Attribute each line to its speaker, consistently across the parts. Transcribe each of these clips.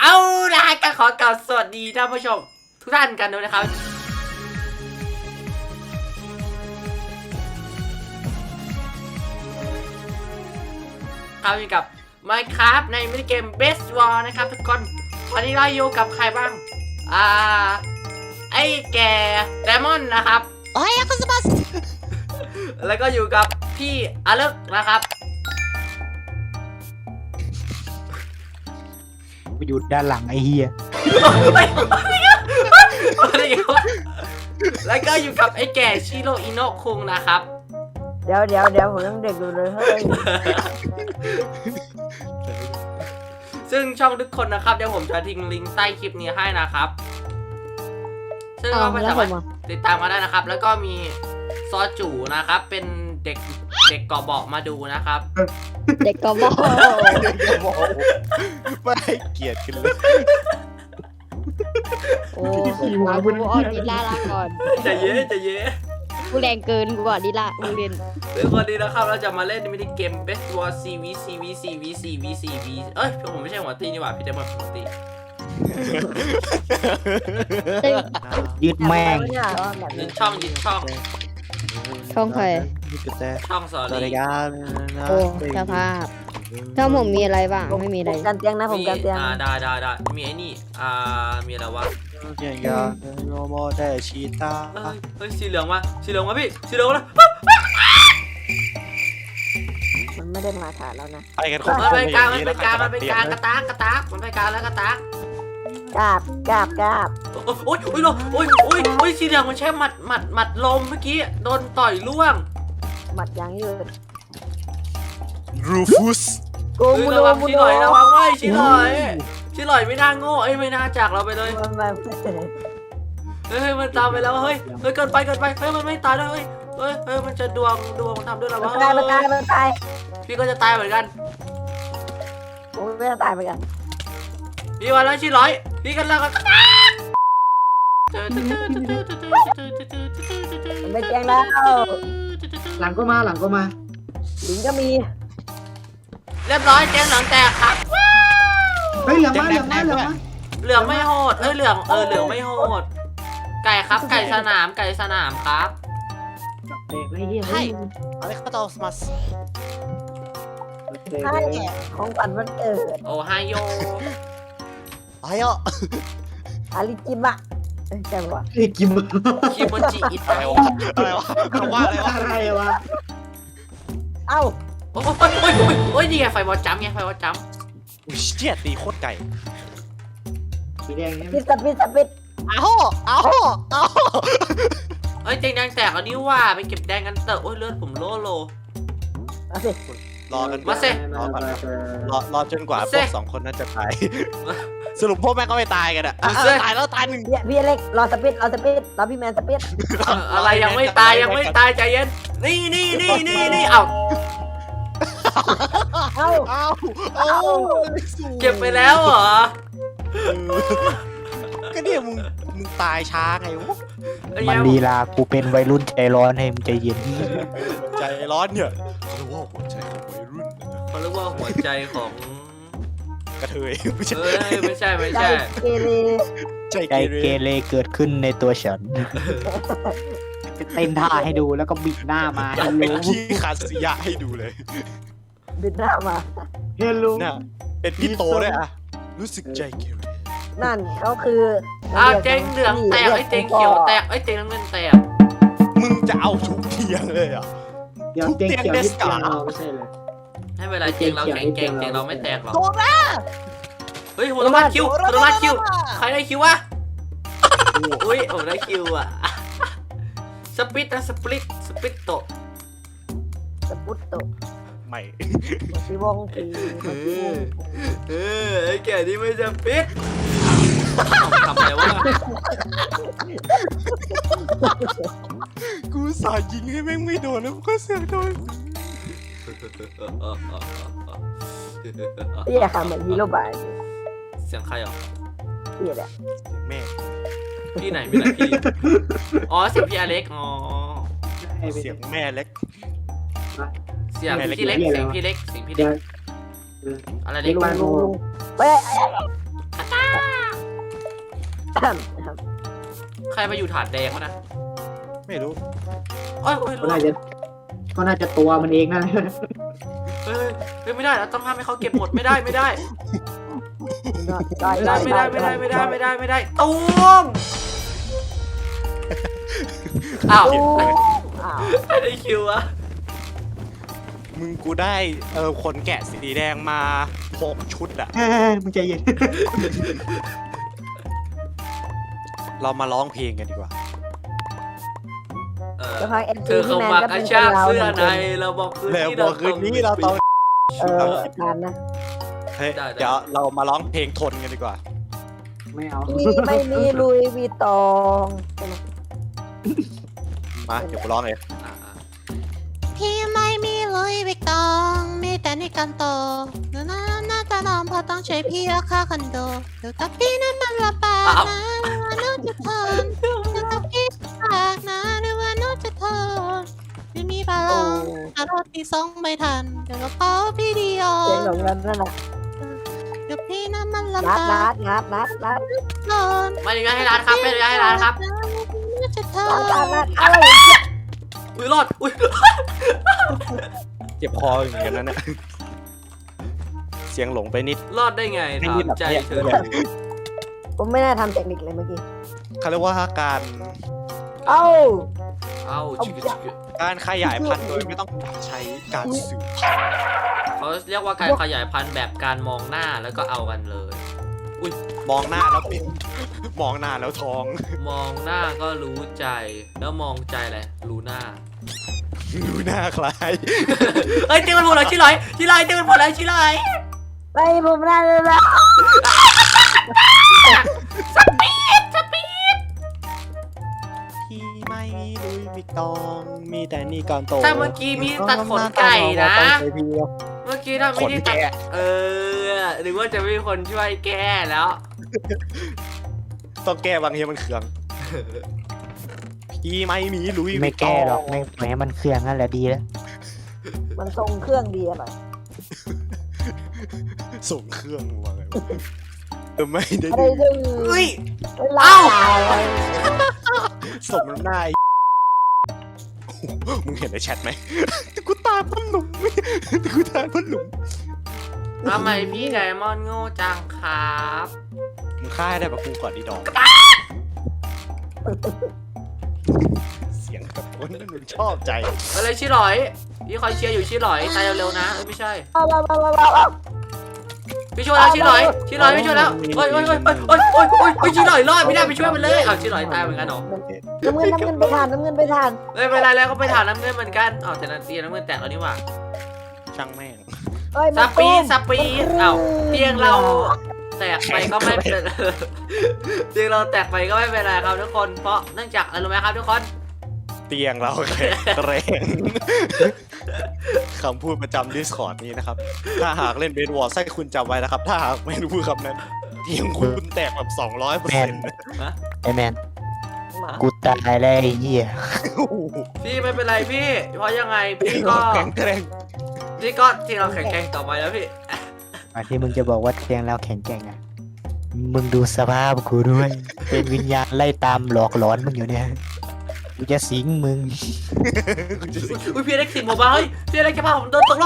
Speaker 1: เอาละก็ขอกล่าวสวัสดีท่านผู้ชมทุกท่านกันด้วยนะครับครับอยู่กับ Minecraft ในมินิเกม Best War นะครับทุกคนวันนี้เราอยู่กับใครบ้างไอ้แก่ไดมอนด์นะครับ
Speaker 2: โอ้ยคุณสมัส
Speaker 1: แล้วก็อยู่กับพี่อเล็กนะครับ
Speaker 3: อยู่ด้านหลังไอ้เฮีย
Speaker 1: แล้วก็อยู่กับไอ้แก่ชิโรอิโนะคุงนะครับ
Speaker 4: เดี๋ยวผมยังเด็กอยู่เลยเฮ้ย
Speaker 1: ซึ่งช่องทุกคนนะครับเดี๋ยวผมจะทิ้งลิงก์ใต้คลิปนี้ให้นะครับซึ่งก็สามารถติดตามมาได้นะครับ แล้วก็มีซอจูนะครับเป็นเด็กเกาะเบาะมาดูนะครับ
Speaker 2: เด็กกบฏ
Speaker 3: ไม่เกลียดกันเลย
Speaker 2: โอ้กูอ้อนดิล่าลาก่อน
Speaker 1: จะเย้
Speaker 2: กูแรงเกินกูบอกดิล่ากูเรียน
Speaker 1: ซึ่งวันนี้นะครับเราจะมาเล่นมินิเกม Best War CV เอ้ยผมไม่ใช่หัวตีนี่หว่าพี่เดมอนหัวตี
Speaker 3: ยืดแม่ง
Speaker 1: ยึดช่อง
Speaker 2: ช่องใคร
Speaker 1: ช่องสอรี่
Speaker 2: โอ้สภาพช่องผมมีอะไรบ้างไม่มีอะไร
Speaker 4: กันเตียงนะผมกันเตียง
Speaker 1: ได้มีไอ้นี่มีอะไรวะ
Speaker 3: โยโมได้ชีตา
Speaker 1: เฮ้ยสีเหลืองมาพี่สีเหลืองแล้ว
Speaker 4: มันไม่ได้มาถ่ายแล้วนะ
Speaker 3: ไปกัน
Speaker 1: มันไปกลางกระตากมันไปกลางแล้วกระตาก
Speaker 4: กาบ
Speaker 1: โอ้ยสีเหลืองมันใช้หมัดลมเมื่อกี้โดนต่อยล่วง
Speaker 4: หมัดยางยืด
Speaker 3: รูฟุส
Speaker 1: ระวังชิลอยไม่ชิลอยไม่น่าโง่ไม่น่าจากเราไปเลยเฮ้ยมันตามไปแล้วเฮ้ยเกินไปเฮ้ยมันไม่ตายแล้วเฮ้ยมันจะดวงทำด้วยหรอวะ
Speaker 4: มันตาย
Speaker 1: พี่ก็จะตายเหมือนกัน
Speaker 4: ผมไม่จะตายเหมือนกัน
Speaker 1: พี่วันแล้วชิลอยพี่กันแล้วกัน
Speaker 4: ไม่แจ้งแล้ว
Speaker 3: หลังก็มา
Speaker 4: หญิงก็มี
Speaker 1: เรียบร้อยแจ้งหลังแตกครับ
Speaker 3: เฮ้ยเหลือง
Speaker 1: ไม่โหดเหลืองไม่โหดไก่ครับไก่สนามครับ
Speaker 2: ให้
Speaker 3: อะไรก็ต้องสมัส
Speaker 4: ให้ของขวัญวันเกิด
Speaker 1: โอ้ไฮโย
Speaker 4: อาริจิมะใช่ปะ
Speaker 1: คิโมจิอิตา
Speaker 3: อะไรวะคำว่าอะไรวะ
Speaker 4: เอ้า
Speaker 1: โอ้ยนี่ไงไฟบอลจัมไง
Speaker 3: อุ้ยเจี๊ยตีโคตรไก่สีแดงเนี่ย
Speaker 4: ปิด
Speaker 2: เอา
Speaker 1: เอ้ยแดงแตกอันนี้ว่าไปเก็บแดงกันเตอะโอ้ยเลือดผมโล
Speaker 4: มาสิ
Speaker 3: รอกัน
Speaker 1: มาสิ
Speaker 3: รอจนกว่าพวก2คนนั้นจะตายสรุปพวกแม่ก็ไม่ตายกันอ่ะตายแล้วตายหนึ่ง
Speaker 4: พี่เล็กรอสปิดรอพี่แมนสปิด
Speaker 1: อะไรยังไม่ตายใจเย็นนี่เอาเก็บไปแล้วเหรอ
Speaker 3: ก็เนี่ยมึงตายช้าไงวะ
Speaker 5: มันลีลากูเป็นวัยรุ่นใจร้อนให้มึงใจเย็น
Speaker 3: ใจร้อนเนี่ยเขาเรียกว่าหัวใจของวัยรุ่น
Speaker 1: เขาเรียกว่าหัวใจของ
Speaker 3: กระเทย
Speaker 1: ไม่ใช่
Speaker 4: ใจ
Speaker 5: เกเรเกิดขึ้นในตัวฉันเต้นท่าให้ดูแล้วก็บิดหน้ามา
Speaker 3: เป็นขี้คาสิยะให้ดูเลย
Speaker 4: บิดหน้ามา
Speaker 3: เฮลโลเนี่ยเป็นพี่โตด้วยอะรู้สึกใจเกเร
Speaker 4: นั่นเขาคือ
Speaker 1: เจ๊งเหลืองแตกไอ้เจ๊งเขียวแตกไอ้เจ๊งน้ำเงินแตก
Speaker 3: มึงจะเอาทุกเทียงเลยอ่ะ
Speaker 5: ทุกเทียงเดสกาไม่ใช่เลย
Speaker 1: ให้เวลาเจ๊งเราแข็งเจ๊งเราไม่แตกหรอกเฮ้ยโหดมากคิวใครได้คิววะอุ้ยผมได้คิวอ่ะสปิตโต
Speaker 3: ไม่
Speaker 4: สีวงสี
Speaker 1: ไอ้แก่นี่ไม่สปิตทำอะไรวะ
Speaker 3: กูสายิงให้แม่งไม่โดนแล้วก็เสียโดน
Speaker 4: นี่แหละค่ะเหมือนฮีโร่บาย
Speaker 1: เสียงใครอ่ะ
Speaker 4: นี่แหละ
Speaker 3: แม่
Speaker 1: พี่ไหนพี่อ๋อเสียงพี่อเล็กอ๋อ
Speaker 3: เสียงแม่เล็ก
Speaker 1: เสียงพี่เล็กอะไรเล็ก
Speaker 4: เฮ้ย
Speaker 1: ใครมาอยู่ถาดแดงวะนะ
Speaker 3: ไม่รู้
Speaker 1: โอ้ย
Speaker 5: ก็น่าจะตัวมันเองนั่น
Speaker 1: เฮ้ยไม่ได้เราต้องห้ามให้เขาเก็บหมดไม่ได้ไม่ได้ตูมอ้าวไม่ได้คิวอะ
Speaker 3: มึงกูได้คนแกะสีแดงมา6 ชุดอะ
Speaker 5: มึงใจเย็น
Speaker 3: เรามาร้องเพลงกันดีกว่า
Speaker 4: จะพาเอ็น
Speaker 1: เธอเข้ามาอาชากเสื้อในเราบอกคืน
Speaker 3: แล้ว
Speaker 1: นี้
Speaker 3: บอกคืนนี้เราต้อง
Speaker 4: ทานนะ
Speaker 3: เฮ้ยเดี๋ยวเรามาร้องเพลงทนกันดีกว่า
Speaker 5: ไม่เอา
Speaker 4: พี่ไม่มีลุยวีตอง
Speaker 3: มาเดี๋ยวกูร้องเอง
Speaker 6: พี่ไม่มีลุยวิกตองมีแต่ในกันโตน่าจะนอนเพราะต้องใช้พี่ราคาคอนโดเดี๋ยวกับพี่นั้นมันลำบากนะหรือว่าน้องจะทนเดี๋ยวกับพี่ลำบากนะหรือว่าน้องจะทนไม่มีบาลองแต่รถที่ส่งไม่ทันเดี๋ยวกระเป๋าพี่ดีออ
Speaker 4: เสียง
Speaker 6: น
Speaker 4: หลงนั่นน่ะ
Speaker 6: เดี๋ยวพี่นั้นมันลำ
Speaker 4: นัด
Speaker 6: บาก
Speaker 4: นัด
Speaker 6: นอน
Speaker 1: ไม่ได้ให้ร้านครับไม่ได้ให้ร้านครับ
Speaker 6: น่าจะทน
Speaker 4: อะไร
Speaker 1: อุ้ยรอดอุ้ย
Speaker 3: เจ็บคออย่างเงี้ยนั่นน่ะเสียงหลงไปนิด
Speaker 1: รอดได้ไงถามใจเธอ
Speaker 4: ผมไม่น่าทำเทคนิคเลยเมื่อกี้
Speaker 3: เขาเรียกว่าการ
Speaker 4: เอ้า
Speaker 1: เอ้าชิคชิค
Speaker 3: การขยายพันธุ์โดยไม่ต้องใช้การสืบพันธุ์
Speaker 1: เขาเรียกว่าการขยายพันธุ์แบบการมองหน้าแล้วก็เอากันเลย
Speaker 3: มองหน้าแล้วเป็นมองหน้าแล้วท้อง
Speaker 1: มองหน้าก็รู้ใจแล้วมองใจอะไรรู้หน้า
Speaker 3: ดูหน้าคล้าย
Speaker 1: เฮ้ยเต้มันหมดแล้วชิลอยเต้มันหมดแล้วชิลอย
Speaker 4: ไปผมน่าเลยนะ
Speaker 1: สปีด
Speaker 3: ที่ไม่มีลุยวิกตองมีแต่นี่ก่อนโต
Speaker 1: ถ้าเมื่อกี้มีตัดขนไก่นะ เมื่อกี้ถ้าไม่ได้ตัดหรือว่าจะมีคนช่วยแก้แล้ว
Speaker 3: ต้องแก้บางทีมันเคืองที่ไม่มีลุย
Speaker 5: ไม่แก้หรอกไม่ปล่อยให้มันเครื่องนั่นแหละดีแล้ว
Speaker 4: มันทรงเครื่องดีอะไร
Speaker 3: ส่งเครื่องมาไงไม่ได้
Speaker 4: อะไร
Speaker 3: ดู
Speaker 4: ดึง
Speaker 1: เฮ้ย
Speaker 4: เล่า
Speaker 3: สมน้ำหน้ามึงเห็นในแชทไหมกูตามพันหลุมกูตามพันหลุม
Speaker 1: ทำไมพี่ไดมอนด์โง่จังครับ
Speaker 3: มึงฆ่าให้ได้ปะกูก่อนดีดอกเสียงแบบคนนั้นมึงชอบใจ
Speaker 1: อะไรชิลอยพี่คอยเชียร์อยู่ชิลอยตายเร็วๆนะไม่ใช่พี่ช่วยแล้วชิลอยพี่ช่วยแล้วโอ้ยชิลอยรอดไม่ได้ไปช่วยมันเลยเอาชิลอยตายเหมือนกันเหรอ
Speaker 4: น้ำเงินไปทานไม่
Speaker 1: ไม่เป็นไรแล้วก็ไปถามน้ำเงินเหมือนกันอ๋อแต่นาทีน้ำเงินแตกแล้วนี่หว่า
Speaker 3: ช่างแม่ง
Speaker 1: สปีดเอ้าเตียงเราแตกไปก็ไม่เป็นเตียงเราแตกไปก็ไม่เป็นไรครับทุกคนเพราะเนื่องจากอะไรรู้ไหมครับทุกคน
Speaker 3: เตียงเราแข็งแรงคำพูดประจำ Discord นี้นะครับถ้าหากเล่นเบสบอลให้คุณจำไว้นะครับถ้าหากไม่รู้คำนั้นเตียงคุณแตกแบบ 200%
Speaker 5: ไอ้แมนกูตายแล้วไอ้เหี้ย
Speaker 1: พี่ไม่เป็นไรพี่เพราะยังไงพี่ก็
Speaker 3: แข็งแรง
Speaker 1: พี่ก็ที่เราแข่งต่อไปแล้วพี่
Speaker 5: ที่มึงจะบอกว่าเตียงเราแข็งแกร่งอะมึงดูสภาพกูด้วย เป็นวิญญาณไล่ตามหลอกหลอนมึงอยู่เนี่ยกูจะสิงมึง
Speaker 1: อุ้ยพี่เล็กสิบหมดบ้าเฮ้ยพี่เล็กจะพาผมโดนตกรอบ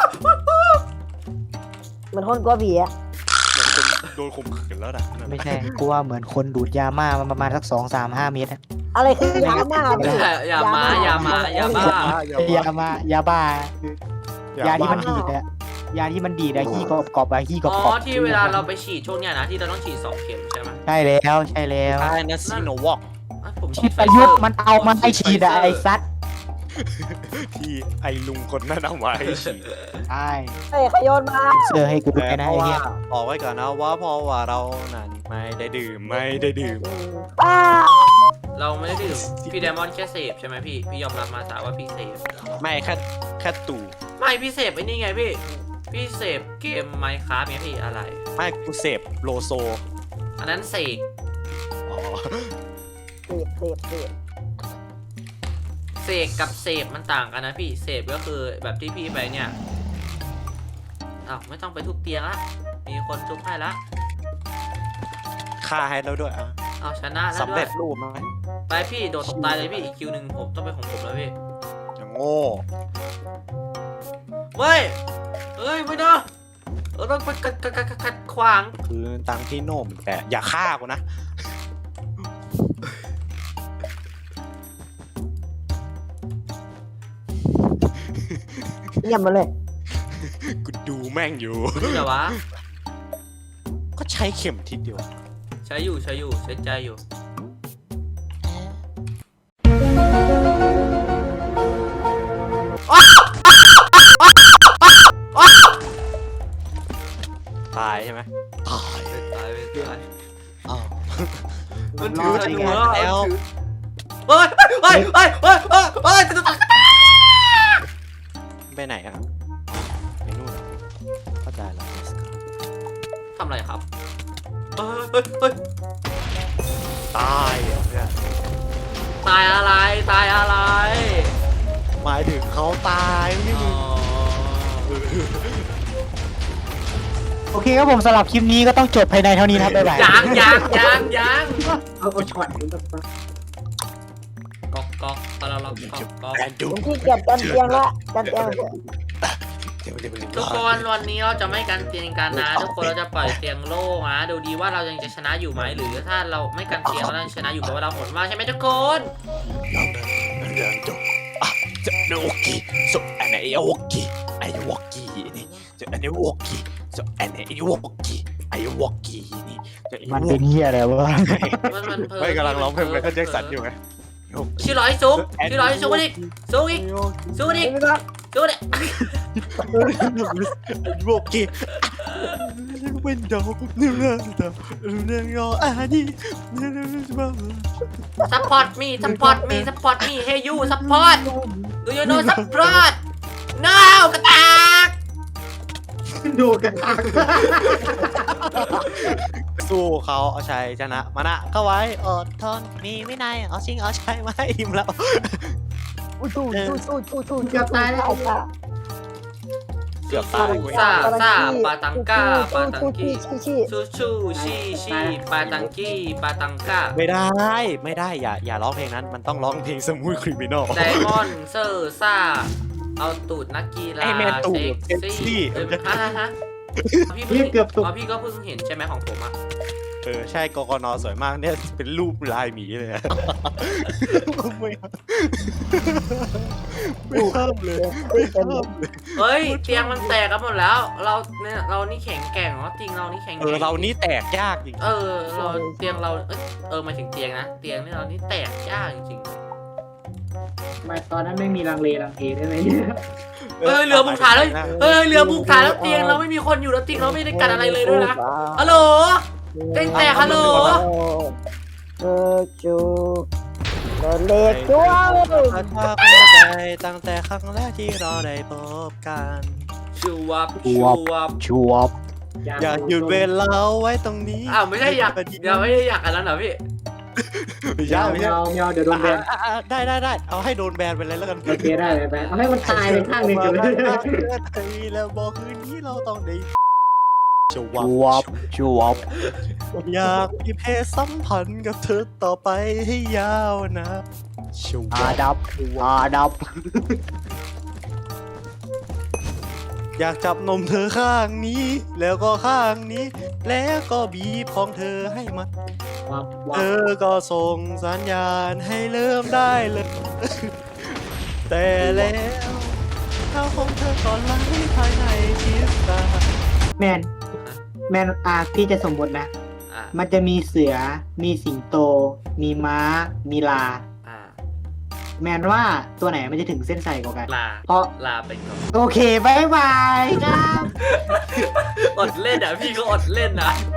Speaker 4: มันคนกลัวผีอะ
Speaker 3: โดนข่มขืนแล้วนะ
Speaker 5: ไม่ใช่กูว่าเหมือนคนดูดยาม่ามาประมาณสัก2-3-5 เมตรอะ
Speaker 4: อะไรคือยาหน้า
Speaker 1: อย่ามาอย่าบ้าย
Speaker 5: าบ้าคือยาที่มันดีดอะยาที่มันดีดอะขี้กรอบอะขี้กรอบ
Speaker 1: อ๋อที่เวลาเราไปฉีดช่วงเนี้ยนะที่เราต้องฉีด2 เข็มใช่ไหม
Speaker 5: ใช่แล้วใช่แล้ว
Speaker 3: ใช่นะซีโนวอก
Speaker 1: ผมฉี
Speaker 5: ที่
Speaker 1: ด
Speaker 5: ประยุทธ์มันเอามาให้ฉีดอะไอ้ซัด
Speaker 3: ที่ไอ้ลุงคนนั้นเอาไว้ฉีด
Speaker 5: ใช่
Speaker 4: เฮ้ยขยนมา
Speaker 5: เสื้อให้กูด้วยนะ
Speaker 3: เพราะ
Speaker 5: ไอ้
Speaker 3: ว่า
Speaker 5: เหี้ย
Speaker 3: บอกไว้ก่อนนะว่าเพราะว่าเรานั้นไม่ได้ดื่ม
Speaker 4: ป้า
Speaker 1: เราไม่ได้ดื่มพี่ไดมอนด์แค่เสพใช่ไหมพี่ยอมรับมาสาว่าพี่เสพ
Speaker 3: ไม่แค่ตู่
Speaker 1: ไม่พี่เสพไอ้นี่ไงพี่เสพเกมไมค์คราฟเนี่ยพี่อะไร
Speaker 3: ไม่กูเสพโลโซ
Speaker 1: อันนั้นเสก
Speaker 3: อ๋อ
Speaker 4: เสพ
Speaker 1: กับเสพมันต่างกันนะพี่เสพก็คือแบบที่พี่ไปเนี่ยอ้าวไม่ต้องไปทุบเตียงละมีคนทุบให้ละ
Speaker 3: ฆ่าให้แล้วด้วยอ่ะ
Speaker 1: เอาชนะแล้ว
Speaker 3: สำ
Speaker 1: ด้ว
Speaker 3: เร็
Speaker 1: ย
Speaker 3: จรูปไหม
Speaker 1: ไปพี่โดดตกตายเลยพี่อีกคิวหนึ่งผมต้องเป็นของผมแล้วพี่
Speaker 3: อย่างโง่
Speaker 1: เฮ้ยไม่นะเราต้องไปขัดขวาง
Speaker 3: คือตังที่โน่มแต่อย่าฆ่ากูนะ
Speaker 4: เยี่ยมมาเลย
Speaker 3: กูดูแม่งอยู่
Speaker 1: รู้เหรอวะ
Speaker 3: ก็ใช้เข็มทิศเดียว
Speaker 1: ใช้อยู่ใช้ใจอยู่
Speaker 3: ตายใช่ไหมตาย
Speaker 1: ตายไปตาย
Speaker 3: อ้าว
Speaker 1: มันถือธนู
Speaker 3: แล้ว
Speaker 1: เฮ้ยจะ
Speaker 3: ไปไหนอ่ะไปนู่นเหรอเข้าใจแล้ว
Speaker 1: ทำอะไรครับเฮ้ย
Speaker 3: ตายเหรอเนี่ย
Speaker 1: ตายอะไร
Speaker 3: หมายถึงเขาตายไม่
Speaker 1: อ๋
Speaker 3: มึ
Speaker 1: อง
Speaker 5: โอเคครับผมสำหรับคลิปนี้ก็ต้องจบภายในเท่านี้นะครับบ๊ายบาย
Speaker 1: ยัง
Speaker 7: เอาช็อตนี้แบบว่า
Speaker 1: ก๊อกตอนเราล็อกก๊อก
Speaker 3: แอนดู
Speaker 4: ผมขี้เกียจกันเตียงละกันเตียง
Speaker 1: ทุกคนวันนี้เราจะไม่กันเตียงกันนะ ทุกคนเราจะปล่อยเตียงโล่งนะดูดีว่าเรายังจะชนะอยู่ไหมหรือถ้าเราไม่กันเตียงเราจะชนะอยู่เพราะว่าเราหมดมากใช่ไหมทุกคน
Speaker 3: ยังจบอ่ะจะโอเคสุดอันไหนโอเคไอ้วอกกี้นี่จะอันนี้วอกกี้สุดอันไหนวอกกี้ไอ้วอกกี้นี่จะ
Speaker 5: มันเป็นเฮียอะไรวะ
Speaker 1: มันเพิ่
Speaker 3: ไม่กำลังร้องเพลงไมเคิลแจ็คสันอยู่ไง
Speaker 1: ชื่อร้อยซุกอีกซุกอีกดิ
Speaker 3: วอกกี้เป็นดาวเนื้อดาวเนื้ออันนี้
Speaker 1: ซัพพอร์ตมีเฮยูซัพพอร์ตดูยูโน่ซัพพอร์ตน้าวกระตาก
Speaker 7: ดูกันตาก
Speaker 3: สู้เขาเอาชัยชนะมานะเข้าไว้อดทนมีวินัยเอาชิงเอาชัยมาให้อิ่มแล้ว
Speaker 4: สู้
Speaker 7: เกือบตายแล้ว
Speaker 3: เกือบตายกู
Speaker 1: ซาปาตังก้าปาตังกี้ชูชีปาตังกี้ปาตังก้า
Speaker 3: ไม่ได้อย่าร้องเพลงนั้นมันต้องร้องเพลงสมูทคริมินอล
Speaker 1: ไดมอนด์เซอร์ซ่าเอาตูดนักกีฬา
Speaker 3: ไอ้แมนตูด
Speaker 1: เซ็ก
Speaker 3: เซ็กซี่
Speaker 1: ซี่ฮะพี่เกือบตกพี่ก็เพิ่งเห็นใช่ไหมของผมอ่ะ
Speaker 3: ใช่กกนสวยมากเนี่ยเป็นรูปลายหมีเลยอะไม่ห้ามเลยไม่ห้ามเลย
Speaker 1: เฮ้ยเตียงมันแตกกันหมดแล้วเรานี่แข็งแกร่งเนาะจริงเรานี่แข็งแกร่ง
Speaker 3: เรานี่แตกยากจริง
Speaker 1: เราเตียงเราหมายถึงเตียงนะเตียงนี่เรานี่แตกยากจริง
Speaker 7: ไม่ตอนนั้นไม่มีลังเลได้ไหมเนี่ย
Speaker 1: เรือบุกฐานแล้วเรือบุกฐานแล้วเตียงเราไม่มีคนอยู่แล้วเตียงเราไม่ได้กันอะไรเลยด้วยนะฮัลโหลเตียงแตกฮัลโหล
Speaker 4: จูเล็กจ้วง
Speaker 3: ใจตั้งแต่ครั้งแรกที่เราได้พบกัน
Speaker 1: ชูวับ
Speaker 5: ชัวบ
Speaker 3: อยากหยุดเวลาไว้ตรงนี้
Speaker 1: อ้าวไม่ได้อยากกันแล้วเหรอพี่
Speaker 3: ไม่
Speaker 7: ยา
Speaker 3: ใช่
Speaker 7: วเดี๋ยวโดนแบน
Speaker 3: ได้เอาให้โดนแบนไปเลยแล้วกัน
Speaker 7: โอเคได้เลยแบนเอาให้มันตายไปข้างหนึ่งกันเลย
Speaker 3: แล้วบอกคืนนี้เราต้องได้ชวั
Speaker 5: ชัวบ
Speaker 3: อยากมีเพศสัมพันธ์กับเธอต่อไปให้ยาวนะชวั
Speaker 5: อาดับ
Speaker 3: อยากจับนมเธอข้างนี้ แล้วก็ข้างนี้ แล้วก็บีบของเธอให้มัน
Speaker 7: ว้าว
Speaker 3: เธอก็ส่งสัญญาณให้เริ่มได้เลย แต่แล้วเท้าของเธอก็ไหลภายในทิศตา
Speaker 7: แมนพี่จะสมมตินะ มันจะมีเสือ มีสิงโต มีม้า มีลา แมนว่าตัวไหนมันจะถึงเส้นชัยกว่ากัน เพราะ
Speaker 1: ลาไปก่อน
Speaker 7: โอเคบายบายครับ
Speaker 1: อดเล่นอ่ะพี่ก็อดเล่นนะ